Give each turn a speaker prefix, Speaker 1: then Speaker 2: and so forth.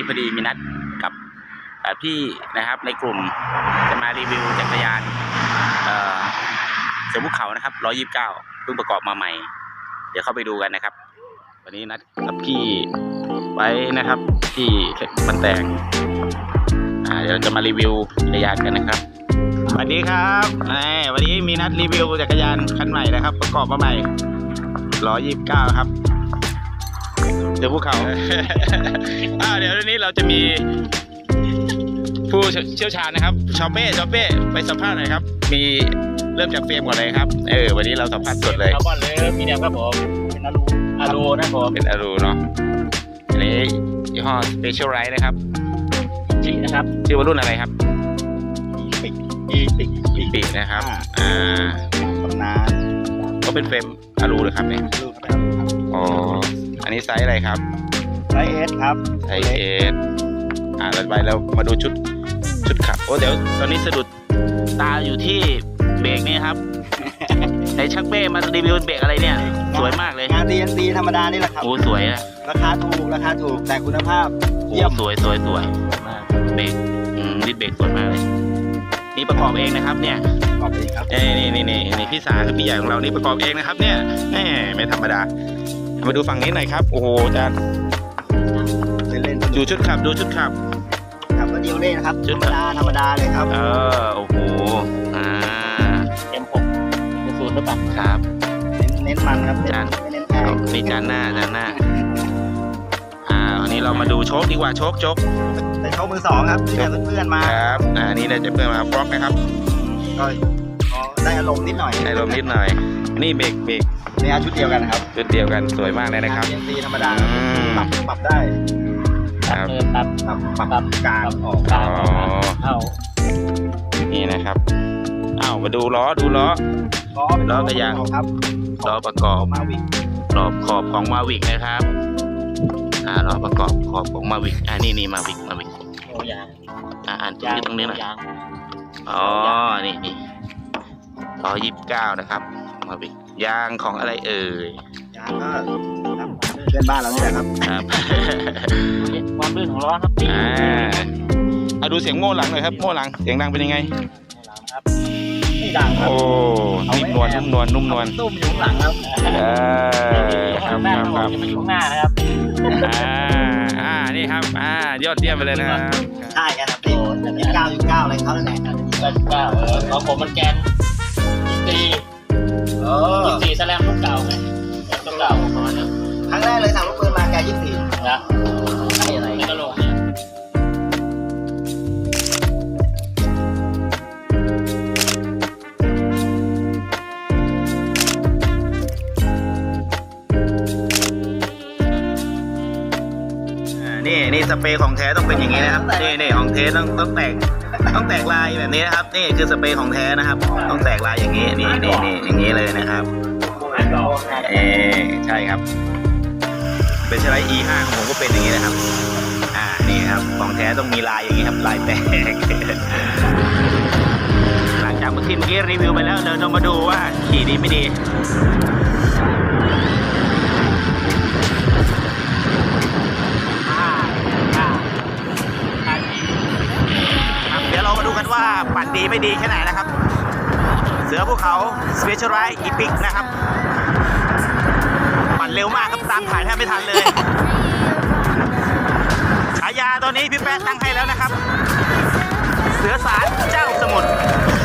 Speaker 1: นี้พอดีมีนัดกับพี่นะครับในกลุ่มจะมารีวิวจักรยานเสือภูเขานะครับ129เพิ่งประกอบมาใหม่เดี๋ยวเข้าไปดูกันนะครับวันนี้นัดกับพี่ไว้นะครับที่มันแตงเดี๋ยวจะมารีวิวจักรยานกันนะครับสวัสดีครับวันนี้มีนัดรีวิวจักรยานคันใหม่นะครับประกอบมาใหม่129ครับเสือภูเขา เดี๋ยววันนี้เราจะมีผู้เชี่ยวชาญนะครับชอเป้ไปสัมภาษณ์หน่อยครับมีเริ่มจากเฟรมก่อนเลยครับวันนี้เราสัมภาษณ์สดเลย
Speaker 2: คาร์บอนเลยมีเดียมครับผมเป็นอารูนะครับผม
Speaker 1: เป็นอารูเนาะอันนี้ยี่ห้อ Specialized นะครับ
Speaker 2: จีนะครับ
Speaker 1: ชื่อว่ารุ่นอะไรครับ
Speaker 2: ปีก
Speaker 1: นะครับ
Speaker 2: ตำนาน
Speaker 1: ก็เป็นเฟรมอารูเลยครับเนี่ยอ๋ออันนี้ไซส์อะไรครับ
Speaker 2: ไซส์ S ครับ
Speaker 1: ไซส์ S ต่อไปเรามาดูชุดขับโอ้เดี๋ยวตอนนี้สะดุดตาอยู่ที่เบรกนี่ครับในชักเป้มารีวิวเบรกอะไรเนี่ยสวยมากเลย
Speaker 2: งาน DNC ธรรมดานี่แหละครับ
Speaker 1: โอ้สวยนะ
Speaker 2: ราคาถูกแต่คุณภาพเยี่ยม
Speaker 1: สวยมากเบรกดิสเบรกสวยมากเลยนี่ประกอบเองนะครับเนี่ย
Speaker 2: ประกอบเองครับ
Speaker 1: นี่พี่สาคือพี่ใหญ่ของเรานี่ประกอบเองนะครับเนี่ยไม่ธรรมดามาดูฝั่งนี้หน่อยครับโอ้โหอาจารย์ดูชุดขับ
Speaker 2: ขับก็เดียวเล่นนะครับธรรมดาเลยครับ
Speaker 1: โอ้โห
Speaker 2: M6 ศูนย์หรือเปล่า
Speaker 1: ครับ
Speaker 2: เน้นมันครับ
Speaker 1: จานนี่จานหน้าวันนี้เรามาดูโชคดีกว่าโชค
Speaker 2: เป็นโชคมือสองครับที่ได้เพื่อนมา
Speaker 1: ครับนี่ได้เพื่อนมาบล็อกนะครับ
Speaker 2: ก็ได้อารมณ์นิดหน่อย
Speaker 1: นี่เบรก
Speaker 2: เนี่ยชุดเดียวกันครับ
Speaker 1: ชุดเดียวกันสวยมากเลยนะครับ
Speaker 2: ดีธรรมดาปรับได้
Speaker 1: ครับ
Speaker 2: ปรับกลางออกเข้า
Speaker 1: นี่นะครับมาดูล้อกระยาง
Speaker 2: ครับ
Speaker 1: ล้อประกอบ
Speaker 2: มาวิก
Speaker 1: รอบขอบของมาวิกนะครับล้อประกอบขอบของมาวิกนี่มาวิก
Speaker 2: โอ้ยาง
Speaker 1: อ่านตรงนี้หน่อยนี่129นะครับมาวิกยางของอะไร
Speaker 2: ยางก็เพื่อนบ้านเราเนี่ยครับความลื่นของล้อครับ
Speaker 1: ดูเสียงโม่หลังหน่อยครับโม่หลังเสียงดังเป็นยังไง
Speaker 2: ครับไม่ดังครับ
Speaker 1: โอ้นุ่มนวล
Speaker 2: ตุ้มอยู่ข้างหลังครับ
Speaker 1: ครับ
Speaker 2: มาอยู่ข้างหน้านะครับ
Speaker 1: นี่ครับยอดเยี่ยมไปเลยนะครับ
Speaker 2: ใช่ครับโอ้จะมี9.9อะไรเขาแหละ9.9ของผมมันแกน24แสลมลูกเก่าไงลูกเก่าประมาณนั้นครั้งแรกเลยสั่งลูกปืนมาแก24นะนี่อะไรกระโหลก
Speaker 1: นี่สเปรย์ของแท้ต้องเป็นอย่างนี้นะครับนี่ของแท้ต้องแตกลายแบบนี้นะครับนี่คือสเปรย์ของแท้นะครับต้องแตกลายอย่างนี้นี่อย่างนี้เลยนะครับใช่ครับเป็นชไลด์ E5 ของผมก็เป็นอย่างนี้นะครับนี่ครับของแท้ต้องมีลายอย่างนี้ครับลายแตกหลังจากเมื่อกี้รีวิวไปแล้วเดี๋ยวเรามาดูว่าขี่ดีไม่ดีเดี๋ยวเรามาดูกันว่าปั่นดีไม่ดีแค่ไหนนะครับเสือภูเขา Specialized Epic นะครับปั่นเร็วมากครับตามถ่ายแทบไม่ทันเลยฉายาตัวนี้พี่แป๊ะตั้งให้แล้วนะครับเสือสารเจ้าสมุทร